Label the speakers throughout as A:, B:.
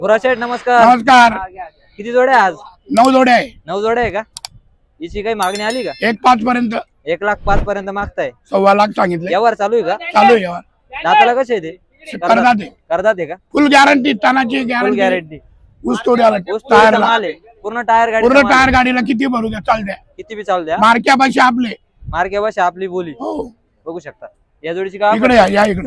A: शेठ नमस्कार.
B: नमस्कार.
A: किती जोड्या आज?
B: 9 जोड्या आहे.
A: 9 जोड्या आहे का? हिची काही मागणी आली का?
B: 1,05,000 पर्यंत.
A: 1,05,000 पर्यंत मागताय.
B: 1,15,000 सांगितले.
A: व्यवहार चालू आहे का?
B: चालू आहे व्यवहार.
A: दाताला कसे आहे ते?
B: करदाते आहे.
A: करदात आहे का?
B: फुल गॅरंटी, तानाची
A: फुल
B: गॅरंटी.
A: गॅरंटी.
B: ऊस तोड्याला
A: ऊस तोडीचा
B: टायरला.
A: माल आहे. पूर्ण टायर गाडी.
B: पूर्ण टायर गाडीला किती भरू द्या चालत्या.
A: किती बी चालू द्या.
B: मार्क्या पैसे आपले.
A: मार्के भाषा आपली बोली.
B: हो.
A: बघू शकता. या जोडीची काय?
B: इकडे या इकडे.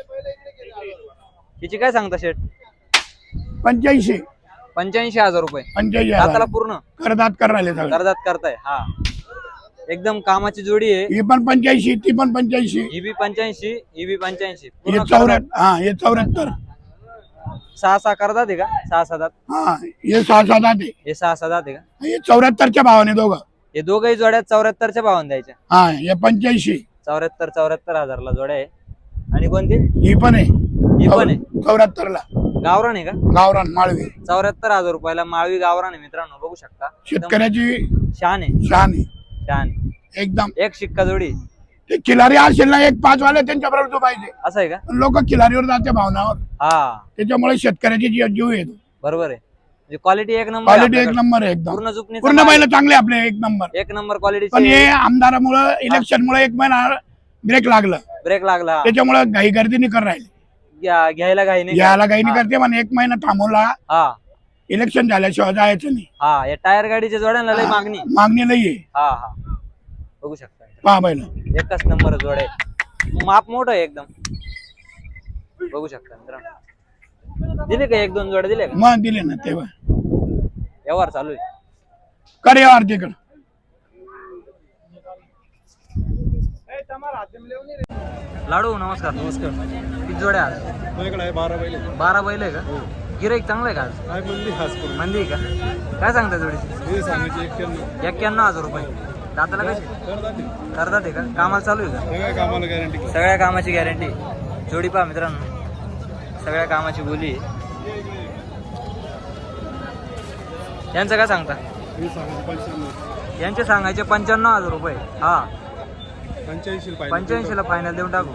A: हिची काय सांगता शेठ?
B: 85.
A: 85,000 रुपये.
B: 85,000.
A: दाताला पूर्ण
B: करदात करायला सगळं.
A: करदात करताय. हा एकदम कामाची जोडी आहे.
B: ही पण 85, ती पण 85.
A: ही बी 85, ही बी 85.
B: हे 74. हा हे 74.
A: 6 करदात आहे का? 6 दात.
B: हा हे 6 दात आहे.
A: हे 6 दात आहे का?
B: हे 74च्या भावाने दोघं.
A: हे दोघही जोड्या 74च्या भावाने द्यायच्या.
B: हा हे 85.
A: 74,000ला जोड्या आहे. आणि कोणती?
B: ही पण आहे.
A: ही पण आहे.
B: 74ला
A: गावरान आहे का?
B: गावरान माळवी.
A: 74,000 रुपयाला माळवी गावरान आहे मित्रांनो. बघू शकता. एकदम
B: शेतकऱ्याची
A: शान आहे.
B: शान आहे
A: शान.
B: एकदम.
A: एक शिक्का जोडी.
B: ते खिलारी असेल ना 1,05,000 वाले त्यांच्या बरोबर तो पाहिजे.
A: असं आहे का?
B: लोक खिलारीवर जाते भावनावर.
A: हा
B: त्याच्यामुळे शेतकऱ्याची जीव येतो.
A: बरोबर आहे. म्हणजे क्वालिटी एक नंबर आहे
B: क्वालिटी एक
A: आपल्याकडे.
B: नंबर आहे एकदम.
A: पूर्ण जुपणी
B: पूर्ण बैल चांगले आपले एक नंबर.
A: एक नंबर
B: पण
A: क्वालिटी.
B: हे आमदारामुळे इलेक्शन मुळे 1 महिना ब्रेक लागलं.
A: ब्रेक लागला.
B: त्याच्यामुळे घाई गर्दी नाही कर राहिले.
A: घ्यायला घाई नाही.
B: याला घाई नाही करते पण 1 महिना थांबवला.
A: हा
B: इलेक्शन झाल्याशिवाय जायचं नाही.
A: हा या टायर गाडीच्या जोड्यांना लय मागणी.
B: मागणी लई आहे.
A: हा हा बघू शकता.
B: पहा बैल.
A: एकच नंबर जोड आहे. माप मोठं आहे एकदम. बघू शकता मित्रांनो. दिले का 1-2 जोड्या दिले का?
B: मग दिले ना तेव्हा.
A: व्यवहार चालू आहे.
B: कर यावर तिकडं.
A: लाडू नमस्कार.
C: नमस्कार.
A: किती जोड्या आज?
C: माझ्याकडे आहे 12 बैल.
A: 12 बैल आहे का? गिराईक चांगलं आहे का आज?
C: काय म्हणली खास करून
A: मंदी आहे का? काय सांगता जोडीची?
C: हे सांगायचे 91.
A: 91,000 रुपये. दाताला कशी? करतात आहे का? कामाला चालू आहे का?
C: सगळ्या कामाला गॅरंटी.
A: सगळ्या कामाची गॅरंटी. जोडी पहा मित्रांनो. सगळ्या कामाची बोली आहे. यांचं काय सांगता?
C: हे सांगायचे 95.
A: यांचे सांगायचे 95,000 रुपये. हा
C: 85 पाहिजे.
A: 85ला फायनल देऊन टाकू.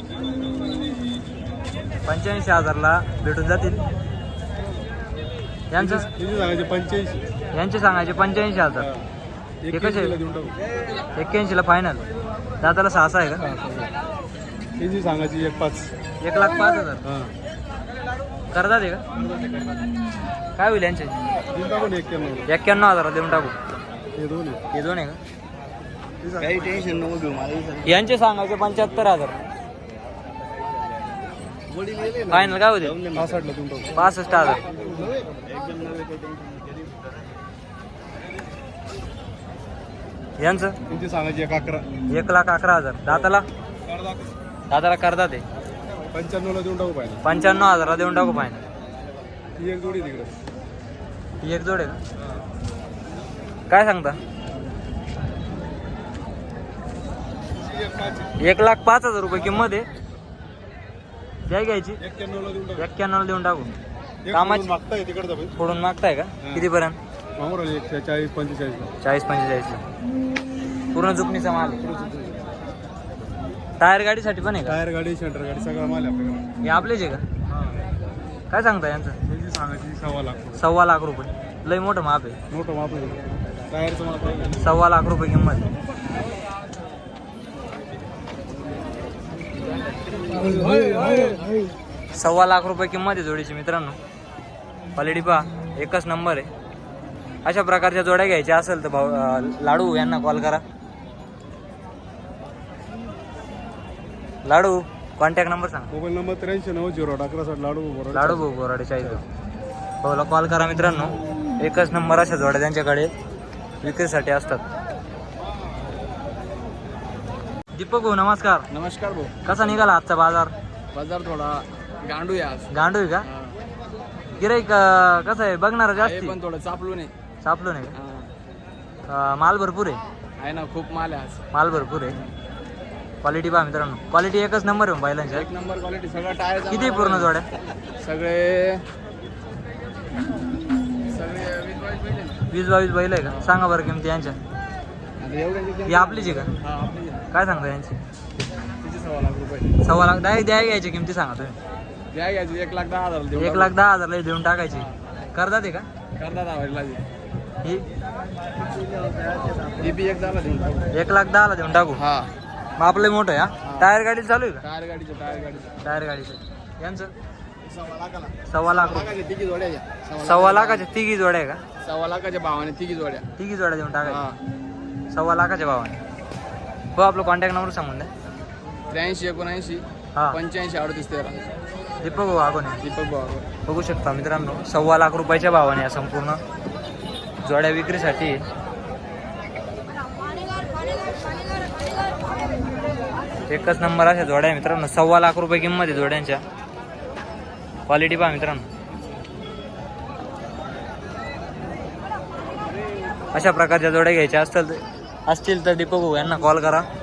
A: 85,000ला भेटून जातील. यांचं
C: हे सांगायचे 85.
A: यांचे सांगायचे 85,000. हे कसे?
C: 81 देऊन टाकू.
A: 81ला फायनल. दाताला 6 आहे का?
C: हे जी सांगायची 1,05,000.
A: 1,05,000.
C: हां
A: करतात आहे का? काय होईल यांचे?
C: देऊन टाकू ना 91.
A: 91,000 देऊन टाकू.
C: हे दोन आहे.
A: हे दोन आहे का?
C: काही टेन्शन नको घेऊ मला.
A: यांचे सांगायचे 75,000. फायनल काय होते?
C: 65ला देऊन टाकू.
A: 65,000. यांचं
C: त्यांची सांगायची 11.
A: 1,11,000. दाताला करतात आहे.
C: 95ला देऊन टाकू पाहिजे.
A: 95,000 देऊन टाकू फायनल.
C: ही एक जोडी तिकडे.
A: ही एक जोड आहे का? काय सांगता? 1,05,000 रुपये किंमत आहे. द्या घ्यायची.
C: 91ला देऊन टाकू.
A: 91 देऊन टाकू.
C: एक
A: कामाची-
C: सोडून मागताय तिकडचा भाई.
A: फोडून मागताय का? कितीपर्यंत?
C: मागून 140-45.
A: 40-45ला. पूर्ण जुपणीचा माल आहे. टायर गाडीसाठी पण आहे का?
C: टायर गाडी, सेंटर गाडी सगळा माल आहे आपल्याकडे.
A: हे आपलेच आहे का? काय सांगता यांचं?
C: त्याची सांगायची 1,15,000.
A: 1,15,000 रुपये. लय मोठं माप आहे.
C: मोठं माप आहे. टायरचं माप आहे.
A: 1,15,000 रुपये किंमत आहे. 1,15,000 रुपये किंमत आहे जोडीची मित्रांनो. क्वालिटी पहा एकच नंबर आहे. अशा प्रकारच्या जोड्या घ्यायच्या असेल तर लाडू यांना कॉल करा. लाडू कॉन्टॅक्ट नंबर सांगा.
C: Mobile number 8390 Ladu Borade.
A: लाडू भाऊ बोराडे चाळीस भाऊला कॉल करा मित्रांनो. एकच नंबर अशा जोड्या त्यांच्याकडे विक्रीसाठी असतात. दीपक भाऊ नमस्कार.
D: नमस्कार भाऊ.
A: कसा निघाला आजचा बाजार?
D: बाजार थोडा गांडू आहे आज.
A: गांडू आहे का? गिराईक कसं आहे बघणार
D: हे
A: जास्त?
D: पण थोडं चापलू नाही.
A: सापलो नाही का? माल भरपूर आहे.
D: ना खूप माल आहे आज.
A: माल भरपूर आहे. क्वालिटी पहा मित्रांनो. क्वालिटी एकच नंबर आहे बैलांच्या.
D: एक नंबर क्वालिटी. सगळं टायर
A: किती पूर्ण जोड्या?
D: सगळे
A: 20-22 बैल आहे का? सांगा बरं किमती यांच्या. ही आपलीच आहे का? काय सांगता यांची?
D: 1,15,000 रुपये.
A: 1,15,000 द्या घ्यायची किमती सांगा तुम्ही.
D: द्या घ्यायची 1,10,000 देऊ
A: 1,10,000 देऊन टाकायची. करतात आहे का
D: करतात आवडला
A: ही?
D: ही बी 1,10,000 देऊन टाकू.
A: 1,10,000 देऊन टाकू.
D: हा
A: मग आपलं मोठं आहे हा. टायर गाडी चालू आहे का?
D: टायर गाडीचं
A: टायर गाडीचं यांचं
D: 1,00,000
A: लाख रुपये.
D: लाखाच्या तिघी जोड्या घ्या.
A: 1,15 लाखाच्या तिघी जोड्या आहे का?
D: 1,00,000 भावाने तिघी जोड्या.
A: तिघी जोड्या देऊन टाकायची.
D: हा
A: 1,15 लाखाच्या भावाने. हो आपलं कॉन्टॅक्ट नंबर सांगून द्या.
D: 83 79
A: हा
D: 85 38 13.
A: दीपक भाऊ आगोने.
D: दीपक भाऊ.
A: बघू शकता मित्रांनो 1,15 लाख रुपयाच्या भावाने या संपूर्ण जोड्या विक्रीसाठी. एकच नंबर अशा जोड्या आहे मित्रांनो. 1,15 लाख रुपये किंमत आहे जोड्यांच्या. क्वालिटी पहा मित्रांनो. अशा प्रकारच्या जोड्या घ्यायच्या असतील तर दीपक भाऊ यांना कॉल करा.